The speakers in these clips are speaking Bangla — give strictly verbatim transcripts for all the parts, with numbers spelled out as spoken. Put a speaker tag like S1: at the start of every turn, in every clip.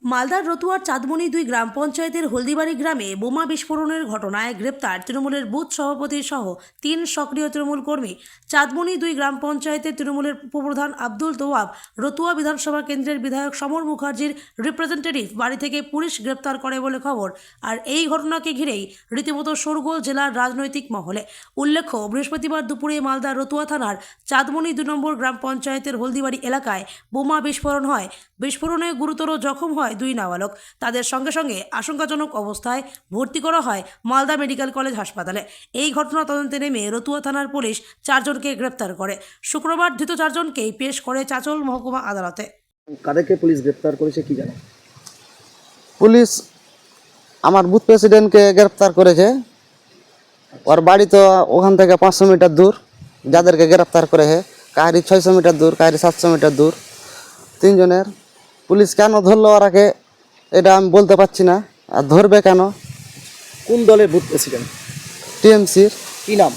S1: মালদার রতুয়ার চাঁদমণি দুই গ্রাম পঞ্চায়েতের হলদিবাড়ি গ্রামে বোমা বিস্ফোরণের ঘটনায় গ্রেপ্তার তৃণমূলের বুথ সভাপতি সহ তিন সক্রিয় তৃণমূল কর্মী। চাঁদমণি দুই গ্রাম পঞ্চায়েতের তৃণমূলের উপপ্রধান আব্দুল তোয়াব, রতুয়া বিধানসভা কেন্দ্রের বিধায়ক সমর মুখার্জির রিপ্রেজেন্টেটিভ বাড়ি থেকে পুলিশ গ্রেপ্তার করে বলে খবর। আর এই ঘটনাকে ঘিরেই রীতিমতো শোরগোল জেলার রাজনৈতিক মহলে। উল্লেখ্য, বৃহস্পতিবার দুপুরে মালদার রতুয়া থানার চাঁদমণি দুই নম্বর গ্রাম পঞ্চায়েতের হলদিবাড়ি এলাকায় বোমা বিস্ফোরণ হয়। বিস্ফোরণে গুরুতর জখম হয় দুই নাবালক। তাদের সঙ্গে সঙ্গে আশঙ্কাজনক অবস্থায় ভর্তি করা হয় মালদা মেডিকেল কলেজ হাসপাতালে। এই ঘটনা তদন্তে নেমে রতুয়া থানার পুলিশ চারজনকে গ্রেপ্তার করে। শুক্রবার ধৃত চারজনকেই পেশ করে চাঁচল মহকুমা আদালতে।
S2: কাদেরকে পুলিশ গ্রেপ্তার করেছে কি জানো?
S3: পুলিশ আমার বুথ প্রেসিডেন্টকে গ্রেপ্তার করেছে। ওর বাড়ি তো ওখান থেকে পাঁচশো মিটার দূর। যাদেরকে গ্রেপ্তার করেছে কাহারি ছয়শো মিটার দূর, কাহারি সাতশো মিটার দূর। তিনজনের পুলিশ কেন ধরলো ওরাকে এটা আমি বলতে পারছি না। আর ধরবে কেন?
S2: কোন দলের বুথ প্রেসিডেন্ট?
S3: টিএমসির
S2: কি নাম?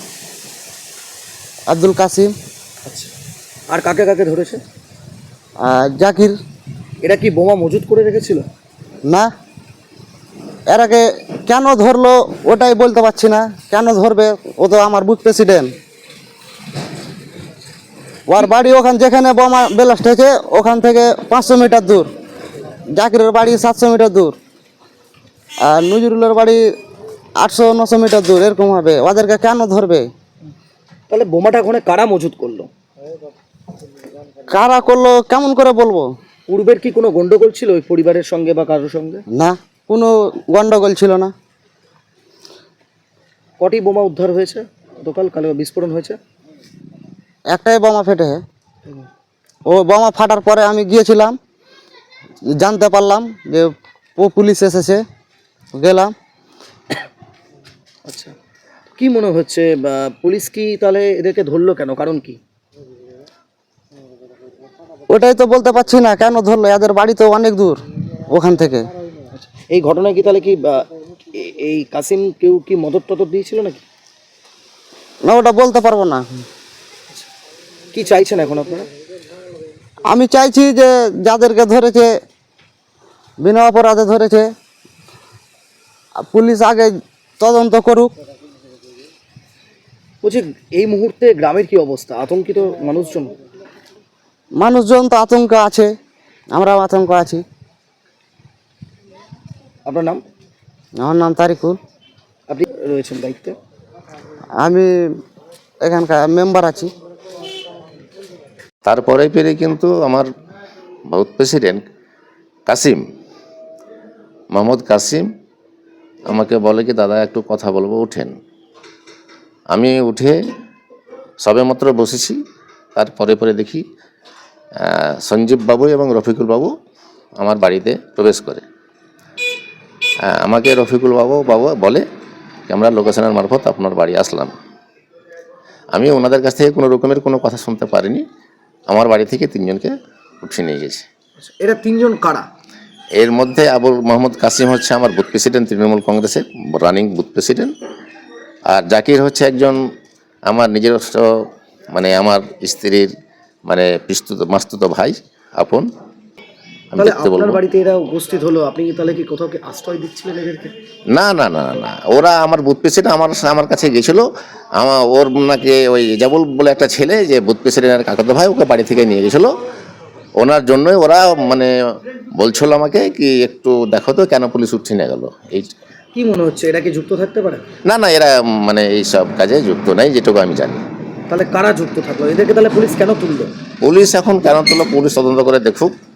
S3: আব্দুল কাসিম।
S2: আচ্ছা, আর কাকে কাকে ধরেছে?
S3: আর জাকির।
S2: এরা কি বোমা মজুত করে রেখেছিল?
S3: না, এরাকে কেন ধরলো ওটাই বলতে পারছি না। কেন ধরবে? ও তো আমার বুথ প্রেসিডেন্ট। ওর বাড়ি ওখান যেখানে বোমা ব্লাস্ট হয়েছে ওখান থেকে পাঁচশো মিটার দূর। জাকিরের বাড়ি সাতশো মিটার দূর, আর নজরুলের বাড়ি আটশো নশো মিটার দূর। এরকম হবে, ওদেরকে কেন ধরবে?
S2: তাহলে বোমাটা ওখানে কারা মজুত করলো?
S3: কারা করলো কেমন করে বলবো?
S2: পূর্বের কি কোনো গন্ডগোল ছিল ওই পরিবারের সঙ্গে বা কারোর সঙ্গে?
S3: না, কোনো গন্ডগোল ছিল না।
S2: কটি বোমা উদ্ধার হয়েছে গতকাল? কালো বিস্ফোরণ হয়েছে
S3: একটাই বোমা ফেটে। ও বোমা ফাটার পরে আমি গিয়েছিলাম, জানতে পারলাম যে ও পুলিশ এসেছে, গেলাম।
S2: আচ্ছা, কি মনে হচ্ছে বা পুলিশ কি তাহলে এদেরকে ধরলো কেন? কারণ কি?
S3: ওটাই তো বলতে পারছি না কেন ধরলো। এদের বাড়ি তো অনেক দূর ওখান থেকে।
S2: এই ঘটনায় কি তাহলে কি বা, এ- এই কাসিম কেউ কি মদত টদত দিয়েছিল নাকি?
S3: না, ওটা বলতে পারবো না।
S2: কি চাইছেন এখন আপনারা?
S3: আমি চাইছি যে যাদেরকে ধরেছে বিনা অপরাধে ধরেছে, পুলিশ আগে তদন্ত করুক।
S2: বলছি, এই মুহূর্তে গ্রামের কি অবস্থা? আতঙ্কিত মানুষজন?
S3: মানুষজন তো আতঙ্ক আছে, আমরাও আতঙ্ক আছি।
S2: আপনার নাম?
S3: আমার নাম তারিকুল।
S2: আপনি রয়েছেন দায়িত্বে?
S3: আমি এখানকার মেম্বার আছি।
S4: তারপরে পেরে কিন্তু আমার বুথ প্রেসিডেন্ট কাসিম, মোহাম্মদ কাসিম আমাকে বলে কি, দাদা একটু কথা বলবো, উঠেন। আমি উঠে সবেমাত্র বসেছি, তারপরে পরে দেখি আহ, সঞ্জীব বাবু এবং রফিকুল বাবু আমার বাড়িতে প্রবেশ করে। আহ, আমাকে রফিকুল বাবু বাবু বলে কি, আমরা লোকেশনের মারফত আপনার বাড়ি আসলাম। আমি ওনাদের কাছ থেকে কোনো রকমের কোনো কথা শুনতে পারিনি। আমার বাড়ি থেকে তিনজনকে উঠিয়ে নিয়ে গেছে।
S2: এরা তিনজন কারা?
S4: এর মধ্যে আবুল মোহাম্মদ কাসিম হচ্ছে আমার বুথ প্রেসিডেন্ট, তৃণমূল কংগ্রেসের রানিং বুথ প্রেসিডেন্ট। আর জাকির হচ্ছে একজন আমার নিজস্ব, মানে আমার স্ত্রীর মানে পিস্তুত মাস্তুত ভাই, আপন। আমি
S2: তাহলে
S4: দেখতে
S2: আপনার
S4: বলবো
S2: বাড়িতে এরা উপস্থিত হলো, আপনি কি তাহলে কি কোথাও কি আশ্রয় দিচ্ছিলেন এদেরকে?
S4: না না না না না, ওরা আমার বুথ প্রেসিডেন্ট আমার আমার কাছে গেছিল। আমার ওর নাকি ওই জাবুল বলে একটা ছেলে, যে বুথ প্রেসিডেন্টের কাকাতো ভাই, ওকে বাড়ি থেকে নিয়ে গেছিলো। ওনার জন্যই ওরা মানে বলছিল আমাকে কি, একটু দেখো তো কেন পুলিশ উঠিয়ে নিয়ে গেলো। এই
S2: কি মনে হচ্ছে এরা কি যুক্ত থাকতে পারে?
S4: না না, এরা মানে এই সব কাজে যুক্ত নাই, যেটুকু আমি জানি।
S2: তাহলে কারা যুক্ত থাকলো? এদেরকে তাহলে পুলিশ কেন তুললো?
S4: পুলিশ এখন কেন তুলো, পুলিশ তদন্ত করে দেখুক।